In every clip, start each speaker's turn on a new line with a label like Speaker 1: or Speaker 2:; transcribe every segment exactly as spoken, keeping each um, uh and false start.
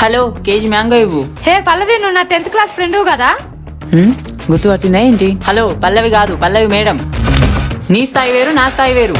Speaker 1: Hello KG mango ఇవ్వు.
Speaker 2: హే పల్లవి, నువ్వు నా టెన్త్ క్లాస్ ఫ్రెండ్ కదా?
Speaker 1: గుర్తుపట్టిందా ఏంటి? హలో పల్లవి కాదు, పల్లవి మేడం. నీ స్థాయి వేరు, నా స్థాయి వేరు.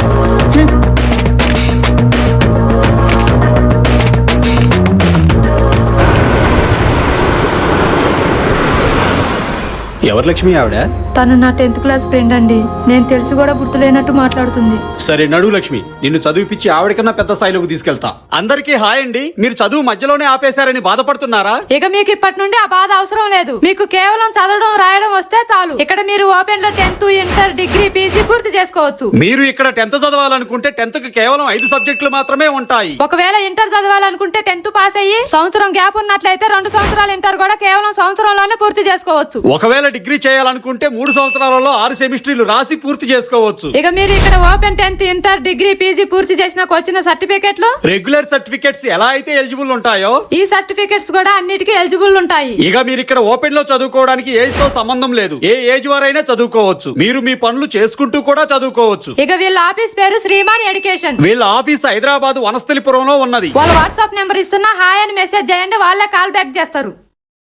Speaker 3: ఎవరు లక్ష్మి ఆవిడ?
Speaker 2: తను నా టెన్త్ క్లాస్ ఫ్రెండ్ అండి. నేను తెలిసి కూడా గుర్తులేనట్టు మాట్లాడుతుంది.
Speaker 3: సరే నడు లక్ష్మి, నిన్ను చదివిపిచ్చి ఆవిడకన్నా పెద్ద స్థాయిలోకి తీసుకెళ్తా. అందరికీ హాయ్ అండి. మీరు చదువు మధ్యలోనే ఆపేశారని బాధపడుతున్నారా?
Speaker 2: ఇక మీకు ఇప్పటి నుండి ఆ బాధ అవసరం లేదు. మీకు కేవలం చదవడం రాయడం వస్తే చాలు. ఇక్కడ మీరు ఓపెన్ లో టెన్త్, ఇంటర్, డిగ్రీ, పీజీ పూర్తి చేసుకోవచ్చు.
Speaker 3: మీరు ఇక్కడ టెన్త్ చదవాలనుకుంటే టెన్త్ కి కేవలం ఐదు సబ్జెక్టులు మాత్రమే ఉంటాయి.
Speaker 2: ఒకవేళ ఇంటర్ చదవాలనుకుంటే టెన్త్ పాస్ అయ్యి సంవత్సరం గ్యాప్ ఉన్నట్లయితే రెండు సంవత్సరాలు ఇంటర్ కూడా కేవలం సంవత్సరంలోనే పూర్తి చేసుకోవచ్చు.
Speaker 3: ఒకవేళ డిగ్రీ చేయాలనుకుంటే మూడు సంవత్సరాలలో ఆరు సెమిస్టర్లు రాసి పూర్తి చేసుకోవచ్చు.
Speaker 2: ఇక మీరు ఇక్కడ open tenth, inter, degree, PG పూర్తి చేసిన వచ్చిన సర్టిఫికెట్లు,
Speaker 3: రెగ్యులర్ సర్టిఫికెట్స్ ఎలా అయితే ఎలిజిబుల్ ఉంటాయో
Speaker 2: ఈ సర్టిఫికెట్స్ కూడా అన్నిటికీ ఎలిజిబుల్ ఉంటాయి.
Speaker 3: ఇక మీరు ఇక్కడ ఓపెన్ లో చదువుకోవడానికి ఏజ్ తో సంబంధం లేదు. ఏ ఏజ్ వారైనా చదువుకోవచ్చు. మీరు మీ పనులు చేసుకుంటూ కూడా చదువుకోవచ్చు.
Speaker 2: ఇక వీళ్ళ ఆఫీస్ పేరు శ్రీమాన్ ఎడ్యుకేషన్.
Speaker 3: వీళ్ళ ఆఫీస్ హైదరాబాద్ వనస్థలిపురంలో ఉన్నది.
Speaker 2: వాళ్ళ వాట్సాప్ నెంబర్ ఇస్తున్నా, హాయ్ అని మెసేజ్ చేయండి, వాళ్ళే కాల్ బ్యాక్ చేస్తారు.